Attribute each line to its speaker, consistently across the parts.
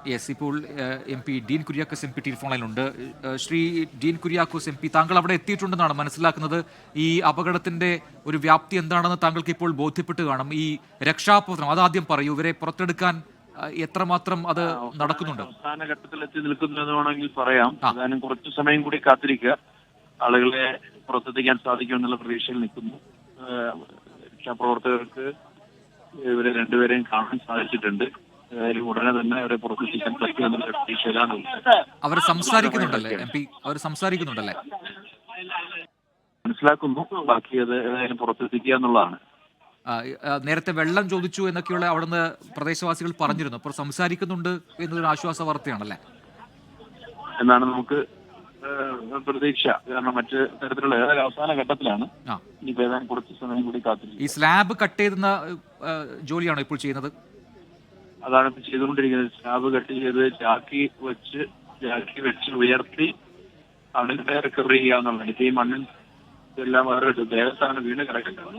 Speaker 1: Yes, ഇപ്പോൾ M P Dean Kuriakose M P telephone ലൈനിലുണ്ട്. Shri Dean Kuriakose M P, താങ്കൾ അവിടെ എത്തിയിട്ടുണ്ടെന്നാണ് മനസ്സിലാക്കുന്നത്. ഈ അപകടത്തിന്റെ ഒരു വ്യാപ്തി എന്താണെന്ന് താങ്കൾക്ക് ഇപ്പോൾ ബോധ്യപ്പെട്ട് കാണും. ഈ രക്ഷാപ്രവർത്തനം അതാദ്യം പറയൂ, ഇവരെ പുറത്തെടുക്കാൻ എത്രമാത്രം അത് നടക്കുന്നുണ്ട്?
Speaker 2: അവസാന ഘട്ടത്തിൽ എത്തി നിൽക്കുന്നു എന്ന് വേണമെങ്കിൽ പറയാം. ഏതാനും കുറച്ചു സമയം കൂടി കാത്തിരിക്കുക, ആളുകളെ പുറത്തെത്തിക്കാൻ സാധിക്കുമെന്നുള്ള പ്രതീക്ഷയിൽ നിൽക്കുന്നു. രക്ഷാപ്രവർത്തകർക്ക് ഇവരെ രണ്ടുപേരെയും കാണാൻ സാധിച്ചിട്ടുണ്ട്. ഉടനെ തന്നെ അവരെ പുറത്തെത്തിക്കാൻ പറ്റുമെന്നുള്ള പ്രതീക്ഷയിലാണ്.
Speaker 1: അവർ സംസാരിക്കുന്നുണ്ടല്ലേ എം പി? അവർ സംസാരിക്കുന്നുണ്ടല്ലേ?
Speaker 2: മനസ്സിലാക്കുന്നു. ബാക്കി അത് ഏതായാലും പുറത്തെത്തിക്കുക എന്നുള്ളതാണ്.
Speaker 1: നേരത്തെ വെള്ളം ചോദിച്ചു എന്നൊക്കെയുള്ള അവിടുന്ന് പ്രദേശവാസികൾ പറഞ്ഞിരുന്നു. അപ്പോൾ സംസാരിക്കുന്നുണ്ട് എന്നൊരു ആശ്വാസ വാർത്തയാണല്ലേ
Speaker 2: എന്നാണ് നമുക്ക് പ്രതീക്ഷ. കാരണം മറ്റ് തരത്തിലുള്ള ഏതായാലും അവസാന ഘട്ടത്തിലാണ്. ഇനിയിപ്പോ ഏതാനും കുറച്ച് സമയം കൂടി കാത്തിരിക്കും.
Speaker 1: ഈ സ്ലാബ് കട്ട് ചെയ്യുന്ന ജോലിയാണോ ഇപ്പോൾ ചെയ്യുന്നത്?
Speaker 2: അതാണ് ഇപ്പൊ ചെയ്തുകൊണ്ടിരിക്കുന്നത്. സ്ലാബ് കട്ട് ചെയ്ത് ചാക്കി വെച്ച് ഉയർത്തി അതിനെ റിക്കവർ ചെയ്യുക എന്നുള്ളത്. ഇപ്പൊ ഈ മണ്ണിൽ എല്ലാം വേറെ ദേവസ്ഥാനം വീണ് കിടക്കുന്നത്.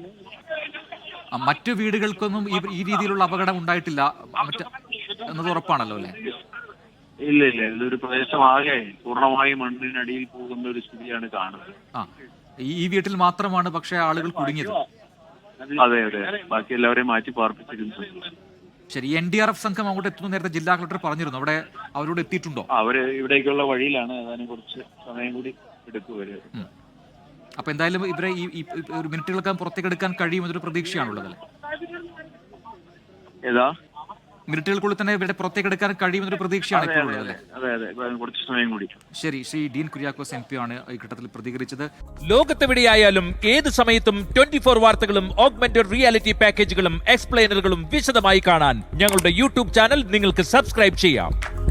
Speaker 1: മറ്റു വീടുകൾക്കൊന്നും ഈ രീതിയിലുള്ള അപകടം ഉണ്ടായിട്ടില്ല എന്നത് ഉറപ്പാണല്ലോ അല്ലേ?
Speaker 2: ഇല്ല, ഇതൊരു പ്രദേശമാകെ പൂർണ്ണമായും മണ്ണിനടിയിൽ പോകുന്ന ഒരു സ്ഥിതിയാണ് കാണുന്നത്.
Speaker 1: ഈ വീട്ടിൽ മാത്രമാണ് പക്ഷേ ആളുകൾ കുടുങ്ങിയത്.
Speaker 2: അതെ, ബാക്കി എല്ലാവരെയും മാറ്റി പാർപ്പിച്ചിരുന്നു.
Speaker 1: ശരി, NDRF സംഘം അങ്ങോട്ട് എത്തുന്നു നേരത്തെ ജില്ലാ കളക്ടർ പറഞ്ഞിരുന്നു. അവിടെ അവരോട് എത്തിയിട്ടുണ്ടോ?
Speaker 2: അവര് ഇവിടേക്കുള്ള വഴിയിലാണ്. ഏതാനും കുറച്ച് സമയം കൂടി എടുക്കുവര്.
Speaker 1: അപ്പൊ എന്തായാലും ഇവരെ ഈ ഒരു മിനിറ്റുകൾക്ക് പുറത്തേക്ക് എടുക്കാൻ കഴിയുമെന്നൊരു പ്രതീക്ഷയാണുള്ളതല്ലേ?
Speaker 2: ഏതാ
Speaker 1: മിനിറ്റുകൾക്കുള്ളിൽ തന്നെ ഇവരുടെ പുറത്തേക്ക് എടുക്കാൻ കഴിയുമെന്നൊരു പ്രതീക്ഷയാണ് ഇപ്പോൾ ഉള്ളത് അല്ലേ?
Speaker 2: അതെ, കുറച്ച് സമയം കൂടി.
Speaker 1: ശരി, ശ്രീ ഡീൻ കുര്യാക്കോസ് MP ആണ് ഈ ഘട്ടത്തിൽ പ്രതികരിച്ചത്.
Speaker 3: ലോകത്തെവിടെയായാലും ഏത് സമയത്തും 24 വാർത്തകളും ഓഗ്മെന്റഡ് റിയാലിറ്റി പാക്കേജുകളും എക്സ്പ്ലെയിനറുകളും വിശദമായി കാണാൻ ഞങ്ങളുടെ YouTube ചാനൽ നിങ്ങൾക്ക് സബ്സ്ക്രൈബ് ചെയ്യാം.